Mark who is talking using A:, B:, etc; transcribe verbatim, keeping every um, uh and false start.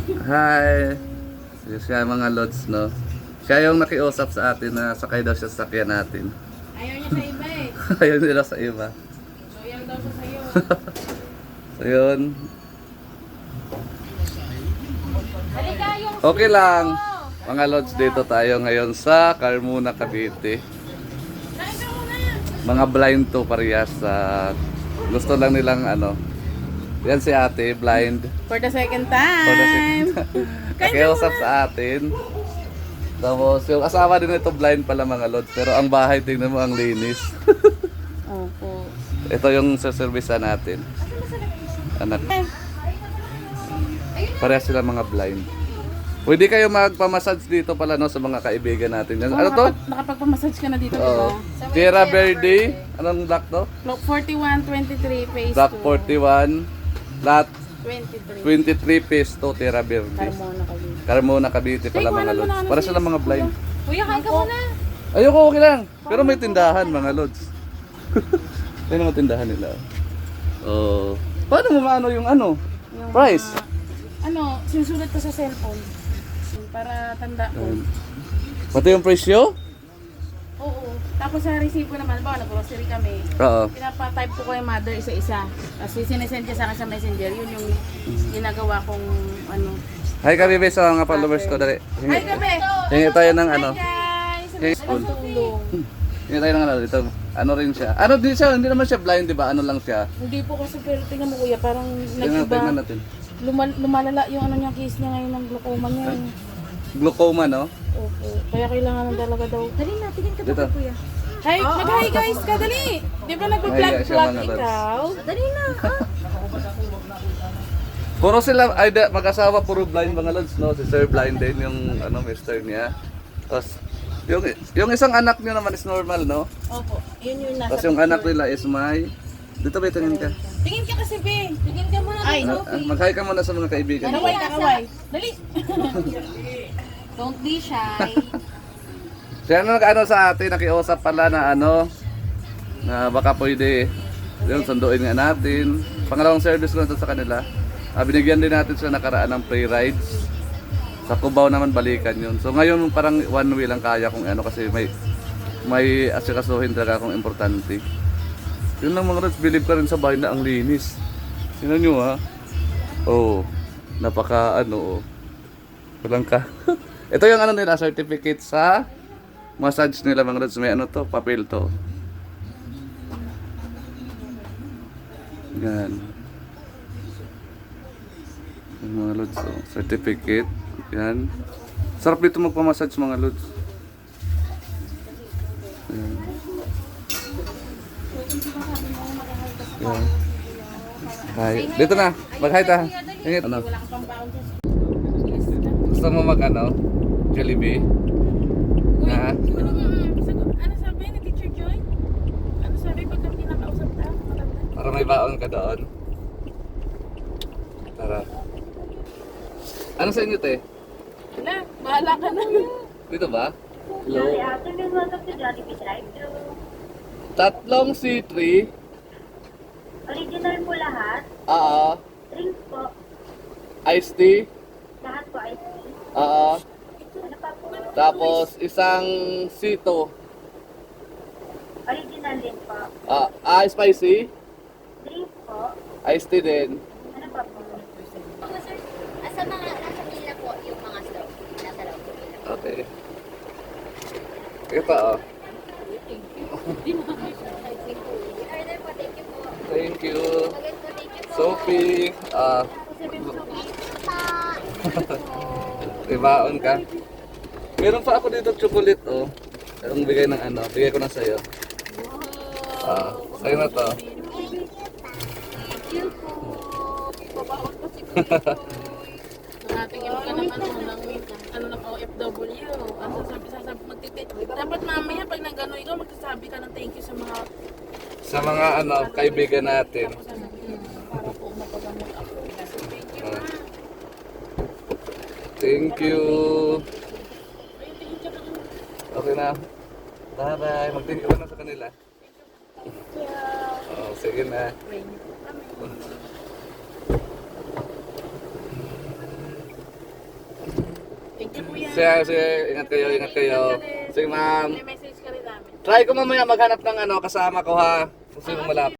A: Hi! Siya mga lods, no? Siya yung nakiusap sa atin na sakay daw siya sa sakyan natin.
B: Ayaw niya sa iba eh.
A: Ayaw nila sa iba.
B: Loyal daw siya sa'yo.
A: So yun.
B: Halika yung
A: Okay lang. Mga lods, dito tayo ngayon sa Carmona, Cavite.
B: Kain ka muna.
A: Mga blind to parehas sa gusto lang nilang ano. Yan si ate, blind.
B: For the second time.
A: For the second time. Nakiusap sa atin. Tapos yung asawa din ito blind pala mga lods. Pero ang bahay, tingnan mo ang linis.
B: Opo.
A: Ito yung saservice natin. Anak. Parehas sila mga blind. Pwede kayo magpamassage dito pala no sa mga kaibigan natin. Yan.
B: Oh,
A: Ano to?
B: nakapag- Nakapagpamassage ka na dito,
A: Oo.
B: diba?
A: Tierra Verde. Anong block to?
B: Block forty-one twenty-three phase
A: Block
B: two.
A: forty-one. Lot
B: twenty-three.
A: twenty-three phase two, Tierra Verde.
B: Carmona kami.
A: Carmona, Cavite pala
B: Tay,
A: mga
B: kuhanan mo
A: lods.
B: na ano
A: Para
B: si-
A: sila mga blind.
B: Kuya, kain ka muna.
A: Ayoko, okay lang. Pero may tindahan mga lods. Yan ang tindahan nila. Oh. Paano mo maano yung ano?
B: Yung
A: Price?
B: mga- ano, sinusulat ko sa cellphone. Para tanda ko.
A: Um, Pati yung presyo?
B: Oo. Tapos sa resibo naman, ba, nag-grocery kami.
A: Oo.
B: Pinapa-type ko kay mother isa-isa. Tapos sinesend niya sa akin sa messenger. Yun yung ginagawa kong ano.
A: Hi kami be sa mga followers ko dali.
B: Hi,
A: Hingi,
B: gabi!
A: hingi tayo ng ano.
B: Hi, guys!
A: Hingi-
B: Ang tulong.
A: Hingi tayo ng ano dito. Ano rin siya. Ano din siya, hindi naman siya blind, di ba? Ano lang siya.
B: Hindi po kasi, pero tingnan mo kuya, parang
A: Tingnan, tingnan
B: nag-iba.
A: natin.
B: Lumal lumalala yung ano niya, case niya ngayon ng glaucoma niya.
A: Glaucoma, no?
B: Opo. Kaya kailangan talaga daw. Dali na, tingin ka
A: Dito.
B: ba kuya? Hi, mag-hi guys ka, dali! Di ba nag-vlog
A: Mahiya siya,
B: vlog
A: mga lods.
B: ikaw? Dali na!
A: Puro sila, ay da, mag-asawa, puro blind mga lods, no? Si Sir blind din, yung ano, mister niya. Tapos, yung, yung isang anak niya naman is normal, no?
B: Opo, yun yung nasa
A: Tapos yung anak nila is may... Dito ba, tingin ka?
B: Tingin ka kasi, be. Tingin ka muna. Ay,
A: Ah, ah, mag-hi ka muna sa mga kaibigan mo.
B: Kaway ka, kaway. Dali.
C: Don't be shy.
A: Siya na nag-ano sa atin, nakiusap pala na ano, na baka pwede yung sunduin nga natin. Pangalawang service ko na to sa kanila. Ah, binigyan din natin sila nakaraan ng free rides. Sa Cubao naman balikan yun. So ngayon parang one way lang kaya kung ano kasi may may asikasuhin talaga akong importante. Yun lang mga rats, believe ka rin sa bahay na ang linis. Tingnan nyo ha. Oo. Oh, napaka ano oh. Walang ka. Ito yung ano nila, certificate sa massage nila mga rats. May ano to, papel to. Yan. Yung mga lods, oh. Certificate. Yan. Sarap dito magpamassage mga lods. Yan. Yan. Hi. Dito na. Mag-hi ta. Ingit. Ano?
B: Wala ka pang baon sa...
A: Gusto mo mag ano? Jollibee?
B: Uy,
A: Ha?
B: ano nga, sagot- ano sabi ni Teacher Joy? Ano sabi pag kami kinakausap ta? Matanda.
A: Para may baon ka doon. Tara. Ano sa inyo, te?
B: Wala, bahala ka na.
A: Dito ba? Hello?
C: Afternoon, welcome to Jollibee Drive-Thru.
A: Tatlong C three.
C: Original po lahat.
A: Ah,
C: Drinks po.
A: iced tea.
C: Lahat po ice cream.
A: Ah,
C: Ano pa po?
A: tapos isang sito.
C: Original din po.
A: Ah, ah, spicy.
C: Drinks po.
A: Iced tea din.
C: Ano pa po?
D: Opo, sir. Ah, sa mga nasa pila po yung mga straw. Nasa loob po pila.
A: Okay. Ito oh.
D: I-order po. Thank you po.
A: Thank you.
D: Again po, thank you po.
A: Sophie. Ah, may baon ka. Meron pa ako dito chocolate oh. Ang bigay ng ano, bigay ko na sa'yo. Ah, sa'yo na to.
B: Nakatingin ka ng ano, ng, ano ng O F W. Ang sasabi, sasabi, magtitip. Dapat mamaya pag nag-ano ikaw, magsasabi ka ng thank you sa mga
A: Sa mga ano, kaibigan natin.
B: para po mapagamot ako. Kasi thank you,
A: Ah,
B: ma.
A: thank you.
B: Ay, tingin ka na.
A: Okay na. Bye-bye. Mag-thank you ka na sa kanila. Oh, sige na.
B: Rainy po kami. Thank you, kuya.
A: Sige, sige, ingat kayo, ingat kayo. Sige, ma'am.
B: May message ka rin namin.
A: Try ko mamaya maghanap ng ano, kasama ko ha. Kung sino malapit.